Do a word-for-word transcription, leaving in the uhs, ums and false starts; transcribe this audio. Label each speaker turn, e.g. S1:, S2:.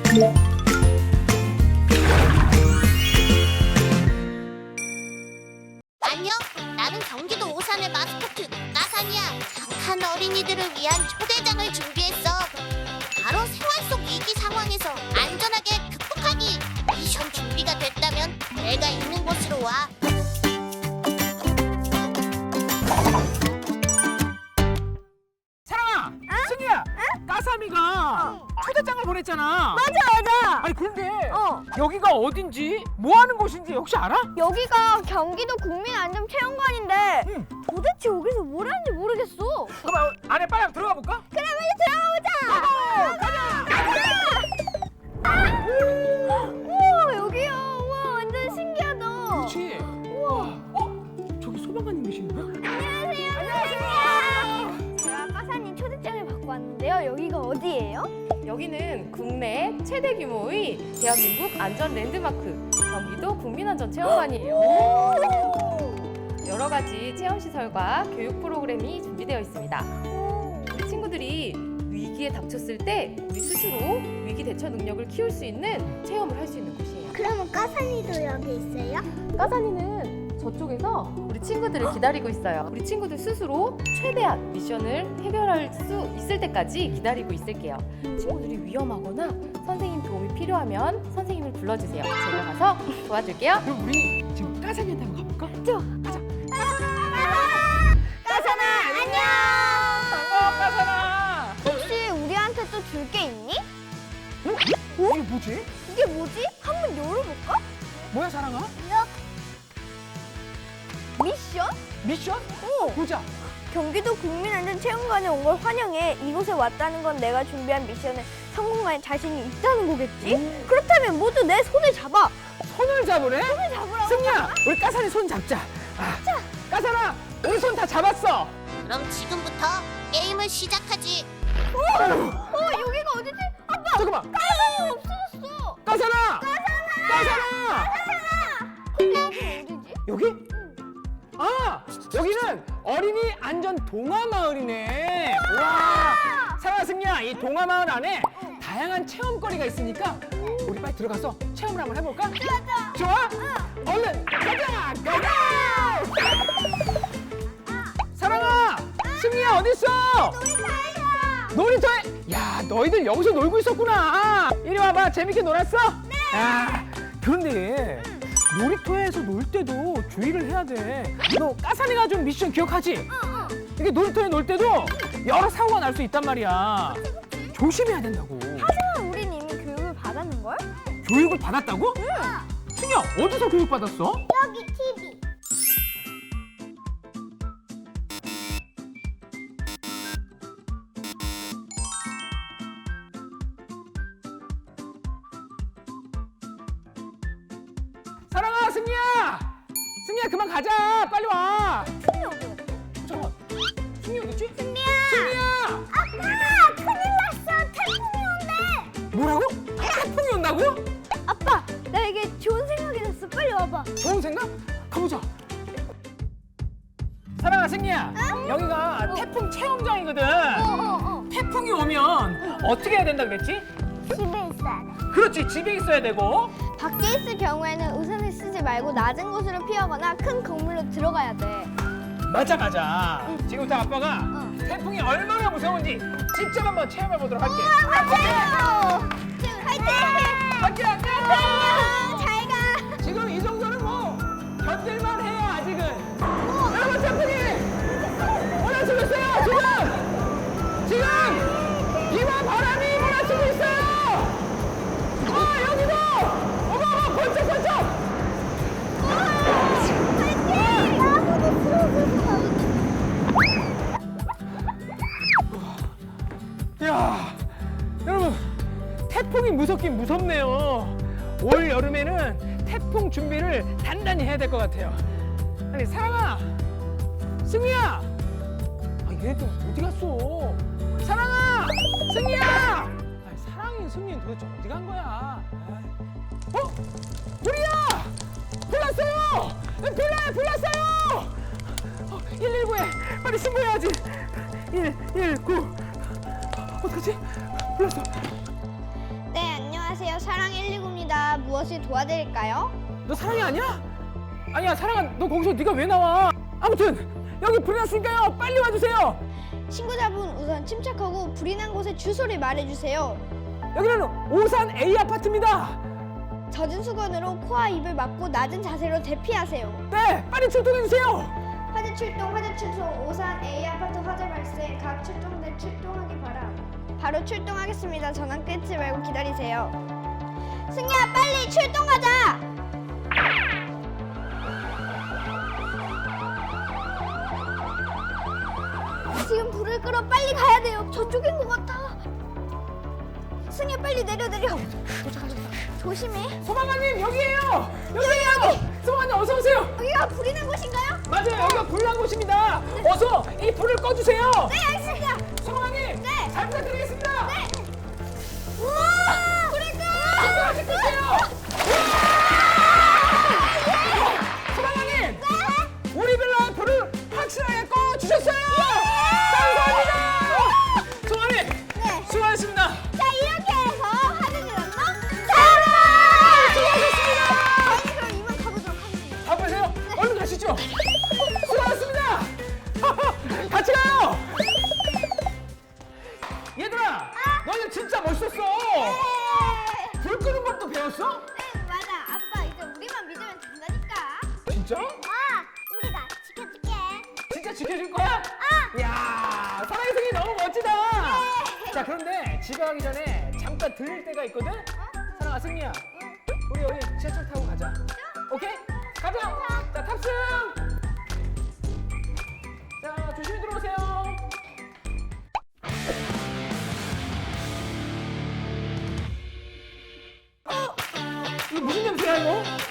S1: 안녕, 나는 경기도 오산의 마스코트 까산이야. 착한 어린이들을 위한 초대장을 준비했어. 바로 생활 속 위기 상황에서 안전하게 극복하기. 미션 준비가 됐다면 내가 있는 곳으로 와.
S2: 사랑아! 승희야! 까삼이가 초대장을 보냈잖아.
S3: 맞아 맞아.
S2: 아니 그런데
S3: 어.
S2: 여기가 어딘지 뭐 하는 곳인지 혹시 알아?
S3: 여기가 경기도 국민안전체험관인데
S2: 응.
S3: 도대체 여기서 뭘 하는지 모르겠어.
S2: 그럼 안에 빨리 한번 들어가 볼까?
S3: 그래 빨리 들어가 보자. 가자. 우와 여기야. 우와 완전 신기하다.
S2: 그렇지. 우와. 어? 저기 소방관님 계시는데?
S3: 안녕하세요. 안녕하세요. 제가 까사님 초대장을 받고 왔는데요. 여기가 어디예요?
S4: 여기는 국내 최대 규모의 대한민국 안전 랜드마크 경기도 국민안전체험관이에요. 여러 가지 체험 시설과 교육 프로그램이 준비되어 있습니다. 우리 친구들이 위기에 닥쳤을 때 우리 스스로 위기 대처 능력을 키울 수 있는 체험을 할 수 있는 곳이에요.
S3: 그러면 까사니도 여기 있어요?
S4: 까사니는 저쪽에서 우리 친구들을 기다리고 있어요. 우리 친구들 스스로 최대한 미션을 해결할 수 있을 때까지 기다리고 있을게요. 친구들이 위험하거나 선생님 도움이 필요하면 선생님을 불러주세요. 제가 가서 도와줄게요.
S2: 그럼 우리 지금 까삼이한테 한번 가볼까? 좋아. 가자.
S3: 까사나 안녕.
S2: 어, 까삼아.
S3: 혹시 우리한테 또 줄 게 있니?
S2: 어? 이게 뭐지?
S3: 이게 뭐지? 한번 열어볼까?
S2: 뭐야 사랑아?
S3: 미션?
S2: 미션?
S3: 어.
S2: 보자.
S3: 경기도 국민안전체험관에 온 걸 환영해. 이곳에 왔다는 건 내가 준비한 미션에 성공할 자신이 있다는 거겠지?
S2: 음.
S3: 그렇다면 모두 내 손을 잡아.
S2: 손을 잡으래?
S3: 손을 잡으라고.
S2: 승희야, 우리 까삼이 손 잡자. 아, 까삼아, 우리 손 다 잡았어.
S1: 그럼 지금부터 게임을 시작하지.
S3: 어, 여기가 어디지? 아빠!
S2: 잠깐만.
S3: 까사는 없어졌어.
S2: 까삼아! 까삼아!
S3: 근데 여기 어디지?
S2: 여기? 아, 여기는 어린이 안전 동화 마을이네. 와, 사랑아 승리야, 이 동화 마을 안에 다양한 체험거리가 있으니까 우리 빨리 들어가서 체험을 한번 해볼까?
S3: 맞아.
S2: 좋아? 얼른 가자, 가자! 사랑아, 승리야 어디 있어?
S3: 놀이터에서.
S2: 놀이터에? 야, 너희들 여기서 놀고 있었구나. 이리 와봐, 재밌게 놀았어? 네. 아, 그런데 놀이터에서 놀 때도 주의를 해야 돼. 너 까사니가 준 미션 기억하지?
S3: 어,
S2: 이게 놀이터에 놀 때도 여러 사고가 날 수 있단 말이야. 조심해야 된다고.
S3: 하지만 우린 이미 교육을 받았는걸?
S2: 교육을 받았다고? 응. 승희야, 어디서 교육 받았어?
S3: 여기 티비.
S2: 사랑아, 승희야! 승희야, 그만 가자. 빨리 와.
S3: 티비 어디 갔지?
S2: 잠깐만. 승희 어디 있지?
S3: 승리야!
S2: 승희야!
S3: 아빠! 큰일 났어! 태풍이 온대!
S2: 뭐라고? 태풍이 온다고?
S3: 아빠! 나에게 좋은 생각이 났어. 빨리 와봐.
S2: 좋은 생각? 가보자. 사랑아, 승희야. 여기가 태풍 체험장이거든.
S3: 어어어.
S2: 태풍이 오면 어떻게 해야 된다 그랬지?
S3: 집에 있어야 돼.
S2: 그렇지, 집에 있어야 되고.
S3: 밖에 있을 경우에는 우산을 쓰지 말고 낮은 곳으로 피하거나 큰 건물로 들어가야 돼.
S2: 맞아, 맞아. 지금부터 아빠가
S3: 어.
S2: 태풍이 얼마나 무서운지 직접 한번 체험해 보도록 할게.
S3: 화이팅! 화이팅!
S2: 할게, 할게.
S3: 안녕! 잘 가!
S2: 지금 이 정도는 뭐 견딜만 해요, 아직은. 여러분, 태풍이 몰아치고 있어요, 지금. 지금 비와 바람이 몰아치고 있어요. 아, 여기도. 어머, 어머, 번쩍번쩍.
S3: 나무도 들어오고
S2: 이야, 여러분, 태풍이 무섭긴 무섭네요. 올 여름에는 태풍 준비를 단단히 해야 될 것 같아요. 아니, 사랑아, 승희야, 아, 얘네들 어디 갔어? 사랑아, 승희야. 아니, 사랑이 승희는 도대체 어디 간 거야? 아이. 어? 불이야! 불났어요! 불나요, 불났어요! 어, 일일구에 빨리 신고해야지. 일일구. 어떡하지? 불났어.
S3: 네, 안녕하세요. 무엇을 도와드릴까요?
S2: 너 사랑이 아니야? 아니야 사랑아 너 거기서 네가 왜 나와? 아무튼 여기 불이 났으니까요 빨리 와주세요.
S3: 친구자분 우선 침착하고 불이 난 곳의 주소를 말해주세요.
S2: 여기는 오산 A 아파트입니다.
S3: 젖은 수건으로 코와 입을 막고 낮은 자세로 대피하세요.
S2: 네 빨리 출동해주세요.
S3: 화재 출동, 화재 출동, 오산 A 아파트 화재 발생, 각 출동대 출동하기 바람. 바로 출동하겠습니다. 전화 끊지 말고 기다리세요. 승희야, 빨리 출동하자! 지금 불을 끌어 빨리 가야 돼요. 저쪽인 것 같아. 승희야, 빨리 내려, 내려. 조심해.
S2: 소방관님 여기에요. 여기에요. 소방관님 어서 오세요.
S3: 여기가 불이 난 곳인가요?
S2: 맞아요 여기가 불난 곳입니다. 어서 이 불을 꺼주세요.
S3: 네, 알겠습니다.
S2: 소방관님
S3: 네.
S2: 잘 부탁드리겠습니다.
S3: 네. 우와! 불을 꺼!
S2: 불을 꺼주세요. 소방관님
S3: 네.
S2: 우리 빌라 불을 확실하게 꺼주셨어요. 감사합니다. 소방관님
S3: 네.
S2: 수고하셨습니다.
S3: 자, 이렇게 해서 화재 질렀나? 잡아!
S2: 수고하셨습니다.
S3: 저희 그럼 이만 가보도록 하겠습니다.
S2: 바쁘세요? 얼른 가시죠. 수고하셨습니다. 같이 가요. 얘들아, 너는 진짜 멋있었어. 불 끄는 것도 배웠어?
S3: 네, 맞아. 아빠 이제 우리만 믿으면 된다니까.
S2: 진짜?
S3: 아, 우리가 지켜줄게.
S2: 진짜 지켜줄 거야? 이야, 사랑의 승이 너무 멋지다. 자, 그런데 집에 가기 전에 잠깐 들릴 때가 있거든? 사랑아, 승리야. 우리 여기 지하철 타고 가자. 오케이? 가자. 자, 탑승. 자, 조심히 들어오세요. 어? 이거 무슨 냄새야, 이거?